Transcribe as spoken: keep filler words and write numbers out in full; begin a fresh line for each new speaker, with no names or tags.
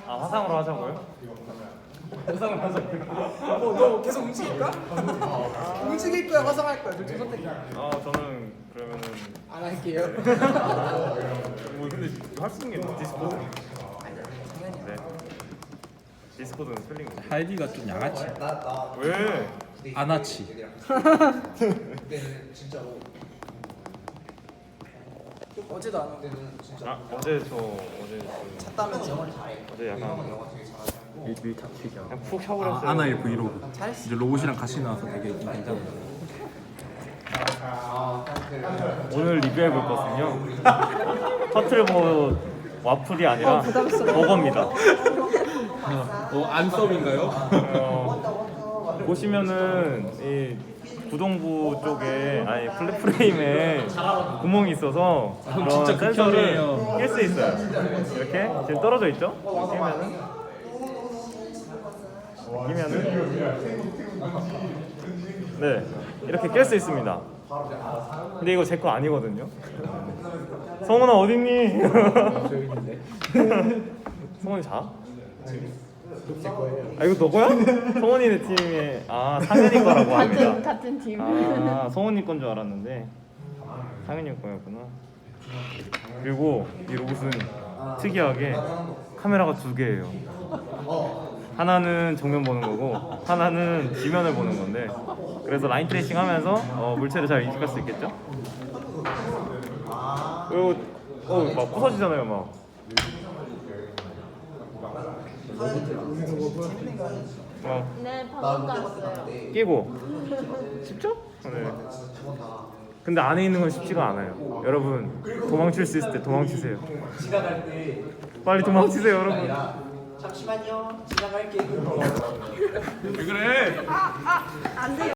아 화상으로 하자고요? 화상으로 하자고요?
뭐 너 계속 움직일까? 움직일 거야 화상할 거야? 둘중 선택이야.
아 저는 그러면은
안 할게요.
뭐 근데 할 수 있는 게 디스코드?
당연히.
네. 디스코드는 스펠링
할비가 좀 양아치.
왜?
아나치.
어제도 안 오고.
아 어제 저 어제 그
찼다면서.
어제 약간
밀착튀겨.
그냥 푹 샤워했어요.
아, 아나의 브이로그.
잘했어.
이제 로봇이랑 같이 나와서 되게 괜찮아.
오늘 리뷰해 볼 것은요. 터틀버 와플이 아니라 버거입니다.
어, 안썸인가요?
어, 보시면은 이 구동부 쪽에 아니 플랫 프레임에 구멍이 있어서 그런
진짜
센서를
극혐이에요.
낄 수 있어요. 이렇게 지금 떨어져 있죠? 끼면은 끼면은 네 이렇게 낄 수 있습니다. 근데 이거 제 거 아니거든요. 성훈아 어딨니? 성훈이 자? 아 이거 너 거야? 성훈이네 팀에 아 상현이 거라고 합니다.
같은 같은 팀.
아 성훈이 건 줄 알았는데 상현이 거였구나. 그리고 이 로봇은 특이하게 카메라가 두 개예요. 하나는 정면 보는 거고 하나는 지면을 보는 건데 그래서 라인 트레이싱 하면서 어, 물체를 잘 인식할 수 있겠죠? 이거 어, 막 부서지잖아요 막. 어,
네, 방금 갔어요.
끼고 쉽죠? 네. 근데 안에 있는 건 쉽지가 않아요. 여러분 도망칠 수 있을 때 도망치세요.
지나갈 때.
빨리 도망치세요 여러분.
잠시만요. 지나갈게.
왜 그래?
안 돼요.